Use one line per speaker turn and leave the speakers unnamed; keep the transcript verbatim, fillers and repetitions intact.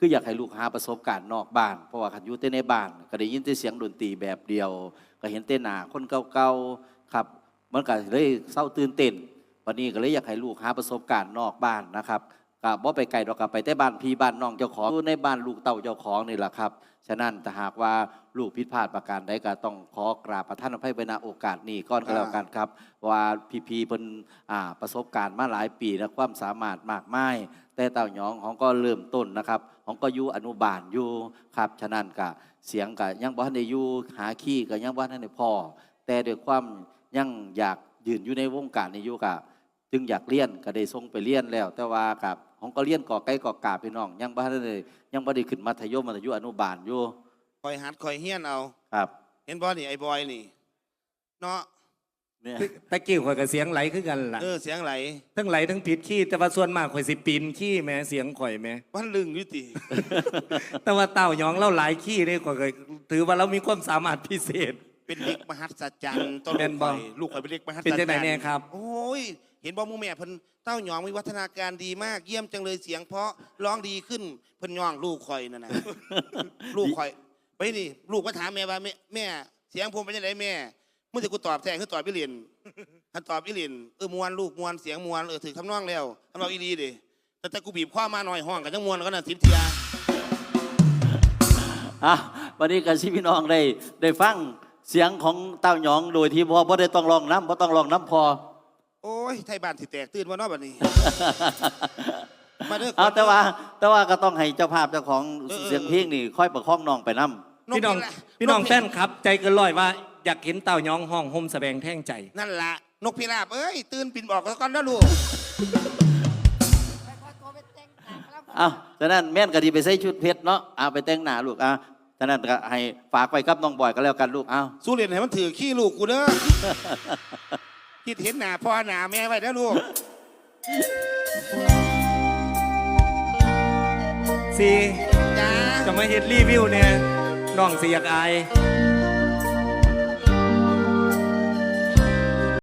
คืออยากให้ลูกหาประสบการณ์นอกบ้านเพราะว่าขันอยู่แต่ในบ้านก็ได้ยินแต่เสียงดนตรีแบบเดียวก็เห็นแต่หน้าคนเก่าๆครับมันก็เลยเศร้าตื่นเต้นวันนี้ก็เลยอยากให้ลูกหาประสบการณ์นอกบ้านนะครับก็บ่ไปไกลดอกกับไปแต่บ้านพี่บ้านน้องเจ้าของอยู่ในบ้านลูกเต่าเจ้าของนี่แหละครับฉะนั้นถ้าหากว่าลูกผิดพลาดประการใดก็ต้องขอกราบประทานอภัยไว้ณโอกาสนี้ก่อนก็แล้วกันครับว่าพี่ๆเพิ่นอ่าประสบการณ์มาหลายปีและความสามารถมากมายแต่เต่าหยองของก็เริ่มต้นนะครับของก็อยู่อนุบาลอยู่ครับฉะนั้นก็เสียงก็ยังบ่ทันได้อยู่หาขี้ก็ยังบ่ทันได้พอแต่ด้วยความยังอยากยืนอยู่ในวงการนี้อยู่ก็จึงอยากเรียนก็ได้ส่งไปเรียนแล้วแต่ว่ากับของก็เรียนก่อไก่ก่อกาพี่น้องยังบ่ทันได้ยังบ่ได้ขึ้นมัธยมมัธยมอนุบาลอยู่
คอยหัดคอยเฮี้ยนเอา
ครับ
เห็นบอนี่ไอ้บอยนี่เนาะ
เนี่ยตะกี้ข่อยกับเสียงไหลคือกันล่ะ
เออเสียงไหล
ทั้งไหลทั้งผิดขี้แต่ว่าส่วนมากข่อยสิปีนขี้แม่เสียงข่อยแม่
วันลึงยุติ
แต่ว่าเต่าหยองเล่าหลายขี้นี่ข่อยถือว่าเรามีความสามารถพิเศษ
เป็นเด็กมหัศจรรย์ต้นลูกข่อยลูกข่อยเป็นเด็กมหัศจรรย์
เป็นจังไหนเนี่ยครับ
โอ้ยเห็นบอมูแม่เพิ่นเต้าหยองมีวัฒนาการดีมากเยี่ยมจังเลยเสียงเพราะร้องดีขึ้นเพิ่นย่องลูกข่อยนั่นนะ ลูกข่อยไปนี่ลูกมาถามแม่ว่าแม่แม่เสียงผมเป็นยังไงแม่เมื่อจะกูตอบแทนคือตอบพี่เรียนท่านตอบพี่เรียนเออมวนลูกมวนเสียงมวนเออถือทำนองแล้วทำนองอีดีดิแต่แต่กูบีบข้อมาหน่อยห้องกันทั้งมวนก็น่ะสิบเทีย
อ่ะวันนี้กันชิพี่น้องได้ได้ฟังเสียงของเต้าหยองโดยที่พ่อพ่ได้ต้องลองน้ำพ่ต้องลองน้ำพอ
โอ้ยไทยบ้านสิแตกตื่นว่านอกบัดนี้
มาเด้อเอาแต่ว่าแต่ว่าก็ต้องให้เจ้าภาพเจ้าของเสียงเพลงนี่ค่อยประคองน้องไปน้ำ
พี่น้องพี่น้องแฟนครับใจเกินร้อยว่าอยากเห็นเต่าหยองห้องห่มแสดงแท่งใจ
นั่นละนกพิราบเอ้ยตื่นปิ่นบอกแล้วก่อนนะลูก
เอาฉะนั้นแม่นก็ดีไปใส่ชุดเพชรเนาะเอาไปแต่งหน้าลูกอ่ะฉะนั้นก็ให้ฝากไปกับน้องบอยก็แล้วกันลูกเอา
สู้เรียนให้มันถือขี้ลูกกูเด้อคิดเห็นหน้าพ่อหน้าแม่ไว้นะลูก
ซี
จ้า
จะมาเฮ็ดรีวิวเนี่ยน้องสิอยากอาย